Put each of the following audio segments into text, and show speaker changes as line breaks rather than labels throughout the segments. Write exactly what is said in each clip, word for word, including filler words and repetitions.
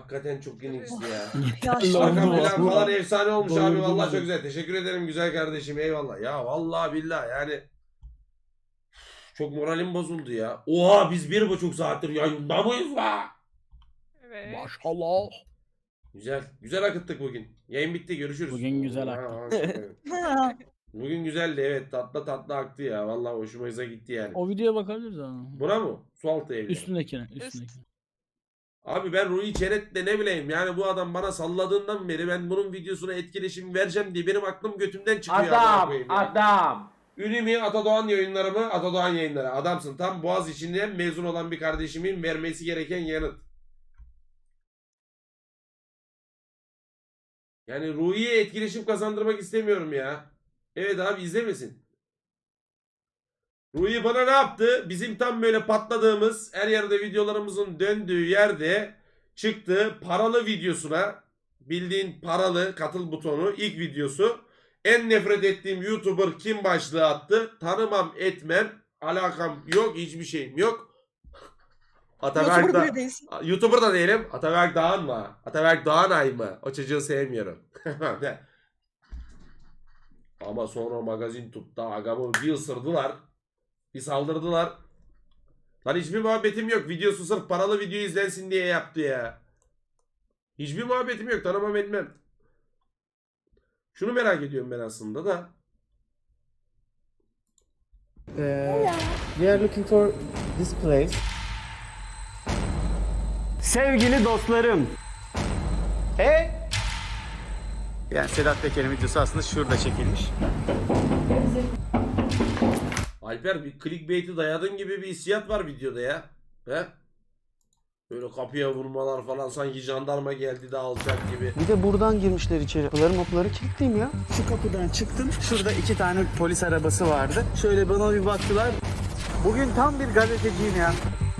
Hakikaten çok yeniksi ya.
Yaşlı
Arka
oldu.
plan falan efsane olmuş abi.
Doyurdum
Vallahi
bizi.
çok güzel. Teşekkür ederim güzel kardeşim. Eyvallah. Ya vallahi billahi yani çok moralim bozuldu ya. Oha biz bir buçuk saattir yayında mıyız la?
Evet.
Maşallah.
Güzel. Güzel akıttık bugün. Yayın bitti. Görüşürüz.
Bugün güzel
Ha,
aktı.
ha, Bugün güzeldi evet. Tatlı tatlı aktı ya. Vallahi hoşumuza gitti yani.
O videoya bakabiliriz ama.
Buna mı? Sualtı evleri.
Üstündekine. Üstündekine.
Abi ben Rui Çenet'le ne bileyim yani bu adam bana salladığından beri ben bunun videosuna etkileşim vereceğim diye benim aklım götümden çıkıyor. amına
Adam,
koyayım ya.
adam.
Ünimi Atadoğan yayınları mı? Atadoğan yayınları. Adamsın. Tam Boğaz içinden mezun olan bir kardeşimin vermesi gereken yanıt. Yani Rui'ye etkileşim kazandırmak istemiyorum ya. Evet abi izlemesin. Rui bana ne yaptı? Bizim tam böyle patladığımız her yerde videolarımızın döndüğü yerde çıktı paralı videosuna, bildiğin paralı katıl butonu ilk videosu. En nefret ettiğim YouTuber kim başlığı attı. Tanımam etmem. Alakam yok. Hiçbir şeyim yok. Ataberk
YouTuber
da,
bile değilsin.
YouTuber da değilim. Ataberk Dağın mı? Ataberk Dağınay mı? O çocuğu sevmiyorum. Ama sonra magazin tuttu. Agamı bir ısırdılar. Bir saldırdılar. Lan hiçbir muhabbetim yok. Videosu sırf paralı video izlensin diye yaptı ya. Hiçbir muhabbetim yok. Tanımam etmem. Şunu merak ediyorum ben aslında da.
Uh, we are looking for this place.
Sevgili dostlarım. He? Yani Sedat Peker'in videosu aslında şurada çekilmiş.
Alper bir clickbait'i dayadın gibi bir hissiyat var videoda ya. He? Böyle kapıya vurmalar falan sanki jandarma geldi de alacak gibi.
Bir de buradan girmişler içeri. Kapıları mapları kilitliyim ya. Şu kapıdan çıktım. Şurada iki tane polis arabası vardı. Şöyle bana bir baktılar. Bugün tam bir gazeteciyim ya.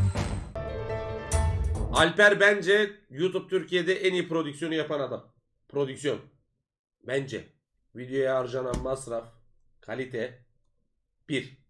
Alper bence YouTube Türkiye'de en iyi prodüksiyonu yapan adam. Prodüksiyon. Bence. Videoya harcanan masraf, kalite bir.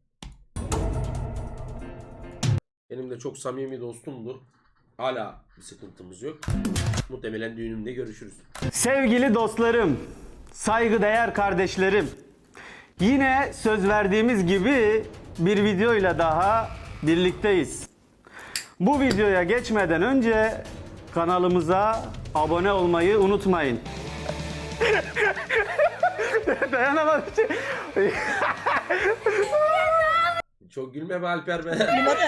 Benim de çok samimi dostumdur. Hala bir sıkıntımız yok. Muhtemelen düğünümde görüşürüz.
Sevgili dostlarım, saygıdeğer kardeşlerim. Yine söz verdiğimiz gibi bir videoyla daha birlikteyiz. Bu videoya geçmeden önce kanalımıza abone olmayı unutmayın. Dayanamadım.
Çok gülme be Alper be.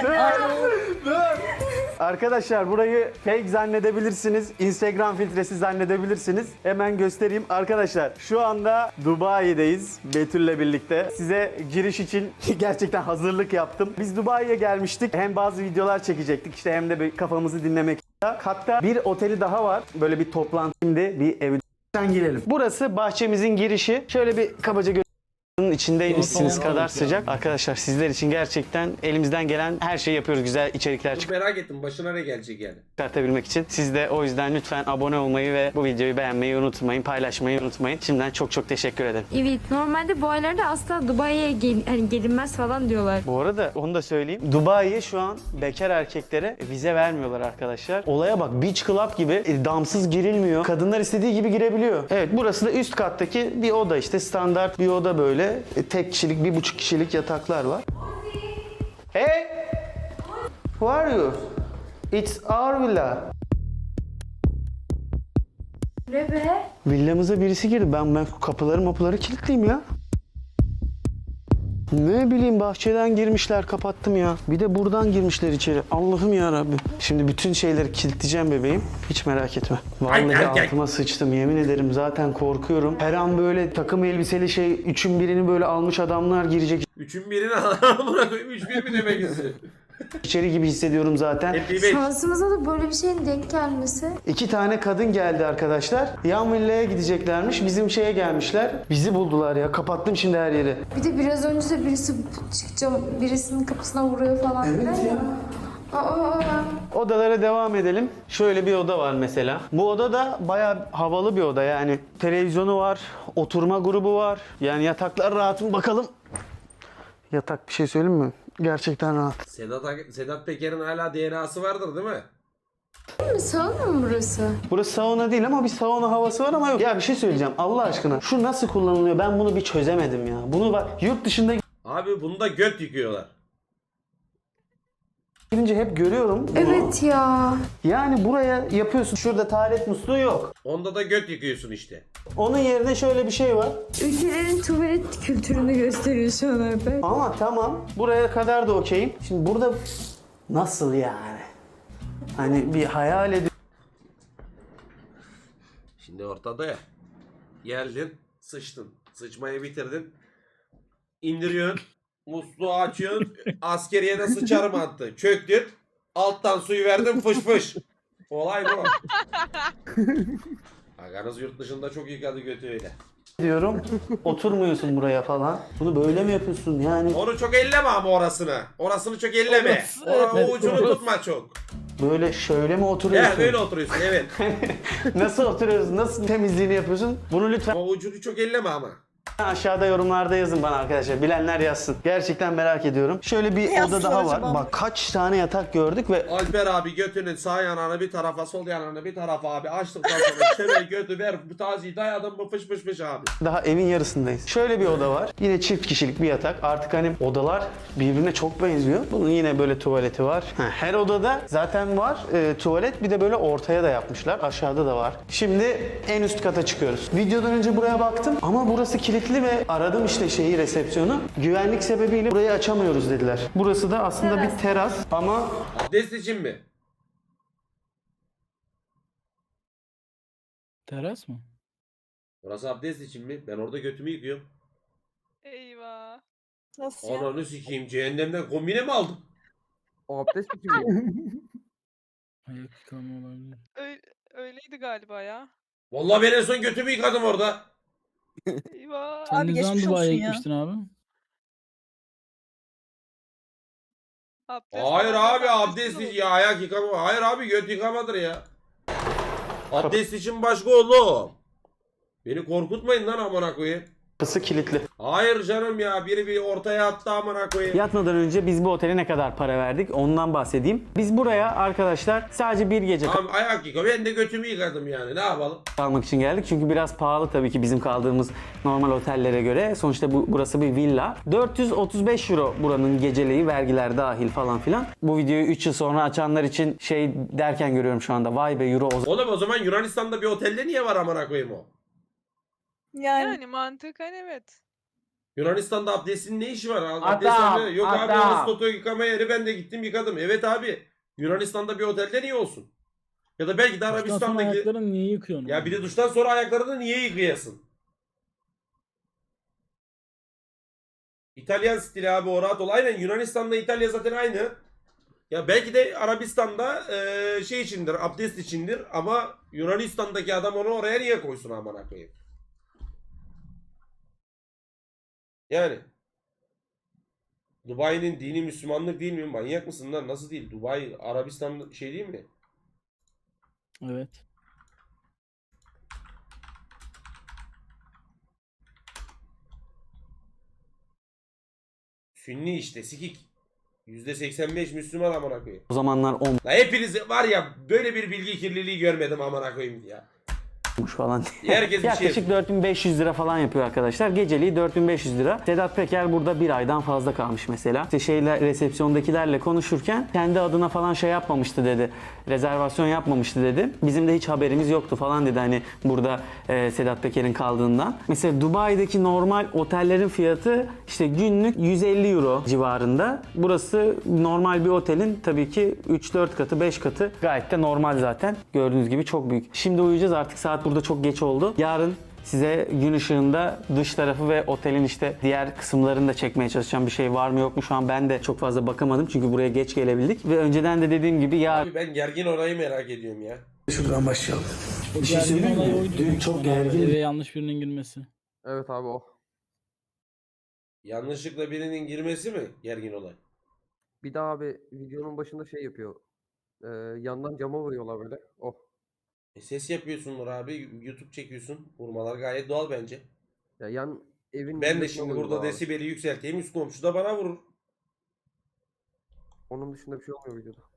Arkadaşlar burayı fake zannedebilirsiniz. Instagram filtresi zannedebilirsiniz. Hemen göstereyim. Arkadaşlar şu anda Dubai'deyiz Betül'le birlikte. Size giriş için gerçekten hazırlık yaptım. Biz Dubai'ye gelmiştik. Hem bazı videolar çekecektik işte hem de bir kafamızı dinlemek. Hatta bir oteli daha var. Böyle bir toplantı şimdi bir evden girelim. Burası bahçemizin girişi. Şöyle bir kabaca gö- içindeymişsiniz
Yok,
kadar
yok,
sıcak. Arkadaşlar sizler için gerçekten elimizden gelen her şeyi yapıyoruz. Güzel içerikler
Çok merak ettim başına ne gelecek yani.
çıkartabilmek için. Siz de o yüzden lütfen abone olmayı ve bu videoyu beğenmeyi unutmayın, paylaşmayı unutmayın. Şimdiden çok çok teşekkür ederim.
Evet, normalde bu aylarda asla Dubai'ye gel hani gelinmez falan diyorlar.
Bu arada onu da söyleyeyim. Dubai'ye şu an bekar erkeklere vize vermiyorlar arkadaşlar. Olaya bak, beach club gibi e, damsız girilmiyor. Kadınlar istediği gibi girebiliyor. Evet, burası da üst kattaki bir oda işte, standart bir oda böyle. E, tek kişilik, bir buçuk kişilik yataklar var. Hey! Who are you? It's our villa.
Ne be?
Villamıza birisi girdi. Ben ben kapıları mapıları kilitliyim ya. Ne bileyim, bahçeden girmişler, kapattım ya. Bir de buradan girmişler içeri. Allah'ım ya Rabbim. Şimdi bütün şeyleri kilitleyeceğim bebeğim. Hiç merak etme. Vallahi
Ay, ay, ay.
altıma sıçtım, yemin ederim, zaten korkuyorum. Her an böyle takım elbiseli şey, üçün birini böyle almış adamlar girecek
Üçün birini amına koyayım. Üç bir mi demek istiyor?
içeri gibi hissediyorum zaten.
Hep bir beş.
Şansımıza da böyle bir şeyin denk gelmesi.
İki tane kadın geldi arkadaşlar. Yan villaya gideceklermiş. Bizim şeye gelmişler. Bizi buldular ya. Kapattım şimdi her yeri.
Bir de biraz önce de birisi çıkacağım, birisinin kapısına vuruyor falan. Evet ya. Aa,
Odalara devam edelim. Şöyle bir oda var mesela. Bu oda da bayağı havalı bir oda yani. Televizyonu var, oturma grubu var. Yani yataklar rahat mı bakalım. Yatak, bir şey söyleyeyim mi? Gerçekten rahat.
Sedat, Sedat Peker'in hala D N A'sı vardır değil mi?
Sauna mı burası?
Burası sauna değil ama bir sauna havası var ama yok. Ya bir şey söyleyeceğim Allah aşkına. Şu nasıl kullanılıyor ben bunu bir çözemedim ya. Bunu bak yurt dışında
Abi bunu da göt yıkıyorlar.
gidince hep görüyorum bunu.
Evet ya.
Yani buraya yapıyorsun. Şurada tuvalet musluğu yok.
Onda da göt yıkıyorsun işte.
Onun yerine şöyle bir şey var.
Ülkelerin tuvalet kültürünü gösteriyor şu an Alper.
Ama tamam buraya kadar da okeyim. Şimdi burada nasıl yani? Hani bir hayal ediyorum.
Şimdi ortada ya. Geldin, sıçtın. Sıçmayı bitirdin. İndiriyorsun. Musluğu açıyorsun. Askeriye de sıçarım attı. Çöktün. Alttan suyu verdin fış fış. Olay bu. Aganız yurt dışında çok yıkadı götü öyle.
diyorum. Oturmuyorsun buraya falan. Bunu böyle mi yapıyorsun yani?
Onu çok elleme ama orasını. Orasını çok elleme. Ora, o ucunu tutma çok.
Böyle şöyle mi oturuyorsun?
Ya böyle oturuyorsun evet.
Nasıl oturuyorsun? Nasıl temizliğini yapıyorsun? Bunu lütfen
O ucunu çok elleme ama.
aşağıda yorumlarda yazın bana arkadaşlar. Bilenler yazsın. Gerçekten merak ediyorum. Şöyle bir
Ne
oda daha
yazsın
var.
acaba?
Bak kaç tane yatak gördük ve
Alper abi götünün sağ yanağını bir tarafa, sol yanağını bir tarafa abi açtıktan sonra çevir götü ver bu taziyi dayadın mı fış fış fış abi.
daha evin yarısındayız. Şöyle bir oda var. Yine çift kişilik bir yatak. Artık hani odalar birbirine çok benziyor. Bunun yine böyle tuvaleti var. Ha, her odada zaten var e, tuvalet. Bir de böyle ortaya da yapmışlar. Aşağıda da var. Şimdi en üst kata çıkıyoruz. Videodan önce buraya baktım ama burası kilitli ve aradım işte şeyi resepsiyonu. Güvenlik sebebiyle burayı açamıyoruz dediler. Burası da aslında bir teras ama
Abdest için mi?
Teras mı?
Burası abdest için mi? Ben orada götümü yıkıyorum.
Eyvah.
Nasıl ya?
Ananı sikeyim cehennemden kombine mi aldım?
O abdest mi?
Ayak yıkama olabilir.
Öyle, öyleydi galiba ya.
Vallahi ben en son götümü yıkadım orada.
Eyvah.
Sen
Abi
ne zaman
geçmiş
Dubai'ye
olsun ya.
gitmiştin abi?
Abdest
Hayır
falan
abi abdest
olur.
için ya ayak yıkama. Hayır abi göt yıkamadır ya. Abdest için başka oğlum. Beni korkutmayın lan amına koyayım.
kapısı kilitli.
Hayır canım ya biri bir ortaya attı amına koyayım.
Yatmadan önce biz bu otele ne kadar para verdik ondan bahsedeyim. Biz buraya arkadaşlar sadece bir gece
Tamam ayak yıka ben de götümü yıkadım yani ne yapalım.
kalmak için geldik. Çünkü biraz pahalı tabii ki bizim kaldığımız normal otellere göre. Sonuçta bu burası bir villa. dört yüz otuz beş euro buranın geceliği, vergiler dahil falan filan. Bu videoyu üç yıl sonra açanlar için şey derken görüyorum şu anda. Vay be euro o
Oğlum o zaman Yunanistan'da bir otelde niye var amına koyayım o?
Yani
Yani mantıken evet.
Yunanistan'da abdestin ne işi var?
Adam,
Abdesthane- Yok abi
adam.
orası Toto yıkama yeri ben de gittim yıkadım. Evet abi Yunanistan'da bir otelde niye olsun? Ya da belki de
Duştan sonra
Arabistan'daki...
ayaklarını niye yıkıyorsun?
Ya bir de duştan sonra ayaklarını niye yıkayasın? İtalyan stili abi o rahat ol. Aynen Yunanistan'da İtalya zaten aynı. Ya belki de Arabistan'da eee, şey içindir, abdest içindir ama Yunanistan'daki adam onu oraya niye koysun amına koyayım? Yani Dubai'nin dini Müslümanlık değil mi? Manyak mısın lan? Nasıl değil? Dubai Arabistan şey değil mi?
Evet.
Sünni işte sikik. yüzde seksen beş Müslüman amına koyayım.
zamanlar
La hepiniz var ya böyle bir bilgi kirliliği görmedim amına koyayım ya.
olmuş falan.
Herkes bir şey
Yaklaşık dört bin beş yüz lira falan yapıyor arkadaşlar. Geceliği dört bin beş yüz lira. Sedat Peker burada bir aydan fazla kalmış mesela. İşte şeyle resepsiyondakilerle konuşurken kendi adına falan şey yapmamıştı dedi. Rezervasyon yapmamıştı dedi. Bizim de hiç haberimiz yoktu falan dedi hani burada e, Sedat Peker'in kaldığından. Mesela Dubai'deki normal otellerin fiyatı işte günlük yüz elli euro civarında. Burası normal bir otelin tabii ki üç dört katı beş katı. Gayet de normal zaten. Gördüğünüz gibi çok büyük. Şimdi uyuyacağız artık saat burada çok geç oldu. Yarın size gün ışığında dış tarafı ve otelin işte diğer kısımlarını da çekmeye çalışacağım. Bir şey var mı yok mu şu an ben de çok fazla bakamadım. Çünkü buraya geç gelebildik. Ve önceden de dediğim gibi yarın...
Abi ben gergin orayı merak ediyorum ya.
Şuradan başlayalım.
Bir şey söyleyeyim mi?
Dün çok gergin.
Eve yanlış birinin girmesi.
Evet abi o.
Yanlışlıkla birinin girmesi mi gergin olay?
Bir daha abi videonun başında şey yapıyor. Ee, yandan cama vuruyorlar böyle. Oh.
E ses yapıyorsundur abi. YouTube çekiyorsun. Vurmalar gayet doğal bence.
Ya yan evin
Ben de
yanına
şimdi
vuruyorlar
burada
abi.
desibeli yükselteyim. Üst komşu da bana vurur.
Onun dışında bir şey olmuyor videoda.